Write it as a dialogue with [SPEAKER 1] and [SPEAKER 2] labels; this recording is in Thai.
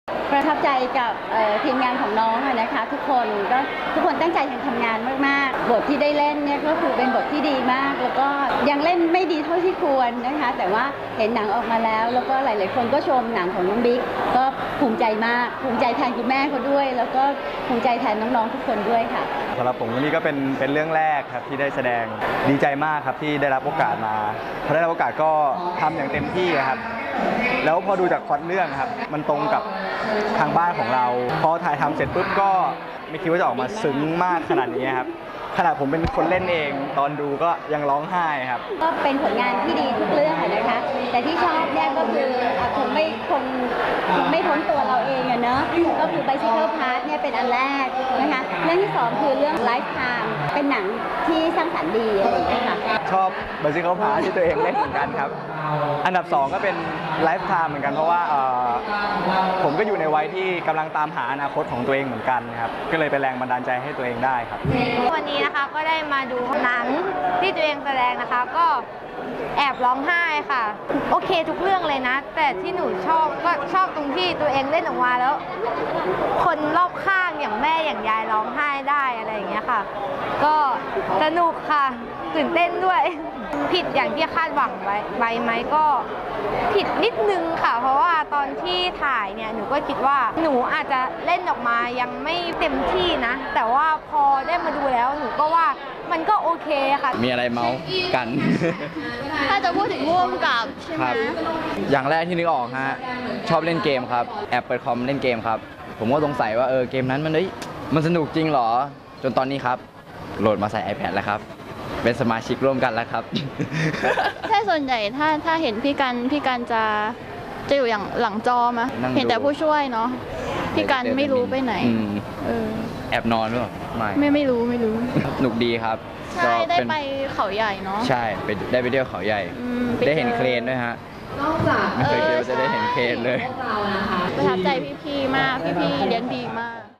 [SPEAKER 1] ประทับใจกับทีมงานของน้องนะคะทุกคนตั้งใจทำงานมากๆบทที่ได้เล่นเนี่ยก็คือเป็นบทที่ดีมากแล้วก็ยังเล่นไม่ดีเท่าที่ควรนะคะแต่ว่าเห็นหนังออกมาแล้วก็หลายๆคนก็ชมหนังของน้องบิ๊กก็ภูมิใจมากภูมิใจแทนคุณแม่เขาด้วยแล้วก็ภูมิใจแทนน้องๆทุกคนด้วยค่ะ
[SPEAKER 2] สำหรับผมวันนี้ก็เป็นเรื่องแรกครับที่ได้แสดงดีใจมากครับที่ได้รับโอกาสมาพอได้รับโอกาสก็ทำอย่างเต็มที่ครับแล้วพอดูจากพล็อตเรื่องครับมันตรงกับทางบ้านของเราพอถ่ายทำเสร็จปุ๊บก็ไม่คิดว่าจะออกมาซึ้งมากขนาดนี้ครับขนาดผมเป็นคนเล่นเองตอนดูก็ยังร้องไห้ครับ
[SPEAKER 1] ก็เป็นผลงานที่ดีทุกเรื่องนะคะแต่ที่ชอบเนี่ยก็คือคงไม่พ้นตัวเราเองเนอะก็คือ Bicycle Path เนี่ยเป็นอันแรกนะคะเรื่องที่สองคือเรื่อง Lifetime เป็นหนังที่สร้างสรรค์ดีอะไรอย่างเงี้ยค่ะ
[SPEAKER 2] ชอบ Bicycle Path ที่ตัวเองเล่นเหมือนกันครับอันดับ2ก็เป็น Lifetime เหมือนกันเพราะว่าผมก็อยู่ในวัยที่กำลังตามหาอนาคตของตัวเองเหมือนกันครับก็เลยเป็นแรงบันดาลใจให้ตัวเองได้ครับ
[SPEAKER 3] วันนี้นะคะก็ได้มาดูหนังที่ตัวเองแสดงนะคะก็แอบร้องไห้ค่ะโอเคทุกเรื่องเลยนะแต่ที่หนูชอบก็ชอบตรงที่ตัวเองเล่นออกมาแล้วคนรอบข้างอย่างแม่อย่างยายร้องไห้ได้อะไรอย่างเงี้ยค่ะก็สนุกค่ะตื่นเต้นด้วยผิดอย่างที่คาดหวังไว้ไหมก็ผิดนิดนึงค่ะเพราะว่าตอนที่ถ่ายเนี่ยหนูก็คิดว่าหนูอาจจะเล่นออกมายังไม่เต็มที่นะแต่ว่าพอได้มาดูแล้วหนูก็ว่ามันก็โอเคค่ะ
[SPEAKER 4] มีอะไรเมาส์กัน
[SPEAKER 3] ถ้าจะพูดถึงร่วมกับใช่ไหม
[SPEAKER 4] อย่างแรกที่นึกออกฮะชอบเล่นเกมครับแอบเปิดคอมเล่นเกมครับผมก็สงสัยว่าเกมนั้นมันสนุกจริงเหรอจนตอนนี้ครับโหลดมาใส่ iPad แล้วครับเป็นสมาชิกร่วมกันแล้วครับ
[SPEAKER 3] ใช่ส่วนใหญ่ถ้าเห็นพี่กันจะอยู่อย่างหลังจอมาเห็นแต่ผู้ช่วยเนาะพี่กันไม่รู้ไปไหน
[SPEAKER 4] แอบนอนหรือเปล่า
[SPEAKER 3] ไม่รู้
[SPEAKER 4] หนุกดีครับ
[SPEAKER 3] ใช่ได้ไปเขาใหญ่เนาะ
[SPEAKER 4] ใช่ได้ไปเที่ยวเขาใหญ่ได้เห็นเครนด้วยฮะไม่เคยคิดว่าจะได้เห็นเครนเลย
[SPEAKER 3] ประทับใจพี่ๆมากพี่ๆเลี้ยงดีมาก